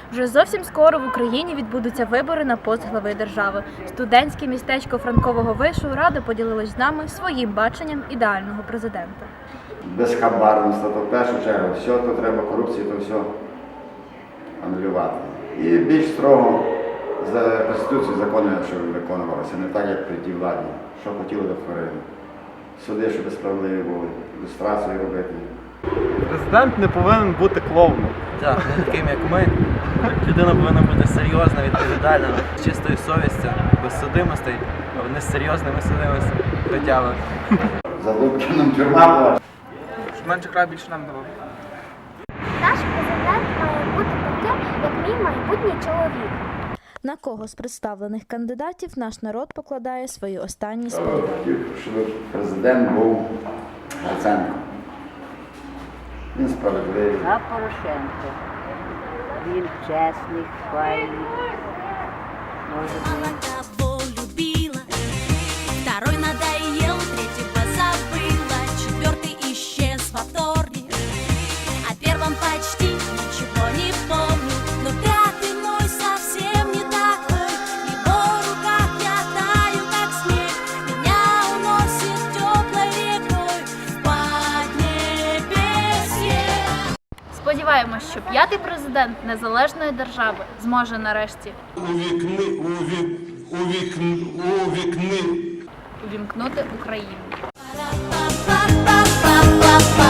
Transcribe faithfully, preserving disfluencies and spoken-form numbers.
Вже зовсім скоро в Україні відбудуться вибори на пост глави держави. Студентське містечко Франкового вишу Рада поділилась з нами своїм баченням ідеального президента. Безхабарництво, то в першу чергу, все, то треба корупцію, то все анулювати. І більш строго за Конституцію закони, щоб виконувалося, не так, як при тій владі, що хотіли до творили. Суди, щоб справедливі були, ілюстрацію робити. Президент не повинен бути клоуном. Так, не таким, як ми. Людина повинна бути серйозна, відповідальна, з чистою совістю, без судимостей, не з серйозними судимостями, хотя За Дубкіном тюрма була. Менше край, більше нам давав. Наш президент має бути таким, як мій майбутній чоловік. На кого з представлених кандидатів наш народ покладає свої останні сподівання? Хотів, щоб президент був Гриценко. Він справедливий. А Порошенко. Він чесний, файний. Може бути. Кого любила, второй надоел, третьего забыла, четвертый исчез во вторник, о первом почти ничего не помню, но пятый мой совсем не такой, в его руках я таю, как снег, меня уносит теплой рекой в поднебесье. Сподіваємось, що п'ятий президент незалежної держави зможе нарешті Увікни, увік, увікни, увікни. увімкнути Україну. Па-па-па-па-па-па.